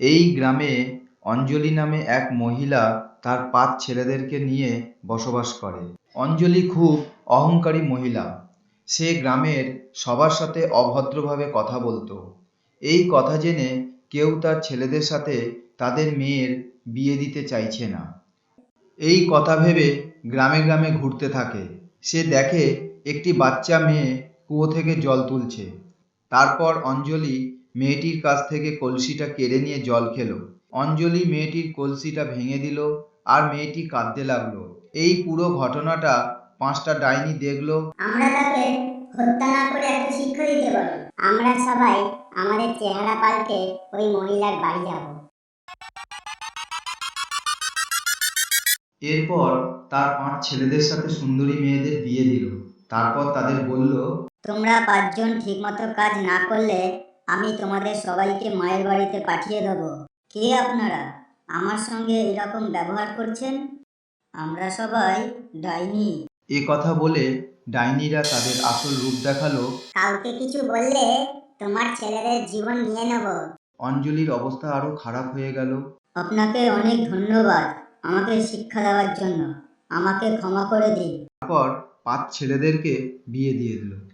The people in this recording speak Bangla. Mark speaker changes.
Speaker 1: এই গ্রামে অঞ্জলি নামে এক মহিলা তার ৫ ছেলেদেরকে নিয়ে বসবাস করে। অঞ্জলি খুব অহংকারী মহিলা। সে গ্রামের সবার সাথে অভদ্রভাবে কথা বলতো। এই কথা জেনে কেউ তার ছেলেদের সাথে তাদের মেয়ের বিয়ে দিতে চাইছে না। এই কথা ভেবে গ্রামে গ্রামে ঘুরতে থাকে। সে দেখে একটি বাচ্চা মেয়ে কুয়ো থেকে জল তুলছে। তারপর অঞ্জলি মেয়েটির কাছ থেকে কলসিটা কেড়ে নিয়ে জল খেলো। অঞ্জলি মেয়েটির কলসিটা ভেঙে দিল আর মেয়েটি কাঁদতে লাগলো। এই পুরো ঘটনাটা ৫টা ডাইনি দেখলো।
Speaker 2: আমরা তাকে হত্যা না করে একটা শিক্ষা দিতে পারি। আমরা সবাই আমাদের চেহারা পাল্টে ওই মহিলার বাড়ি যাব।
Speaker 1: এরপর তার ৫ ছেলেদের সাথে সুন্দরী মেয়েদের বিয়ে দিল। তারপর তাদের বলল,
Speaker 2: তোমরা ৫ জন ঠিকমতো কাজ না করলে আমি তোমাদের সবাইকে মায়ের বাড়িতে পাঠিয়ে দেব। কে আপনারা? আমার সঙ্গে এরকম ব্যবহার করছেন? আমরা সবাই ডাইনি।
Speaker 1: এ কথা বলে ডাইনিরা তাদের আসল রূপ দেখালো।
Speaker 2: কাউকে কিছু বললে তোমার ছেলেদের জীবন নিয়ে নেব।
Speaker 1: অঞ্জলির অবস্থা আরো খারাপ হয়ে গেল।
Speaker 2: আপনাকে অনেক ধন্যবাদ আমাকে শিক্ষা দেওয়ার জন্য। আমাকে ক্ষমা করে দিন।
Speaker 1: তারপর ৫ ছেলেদেরকে বিয়ে দিয়ে দিল।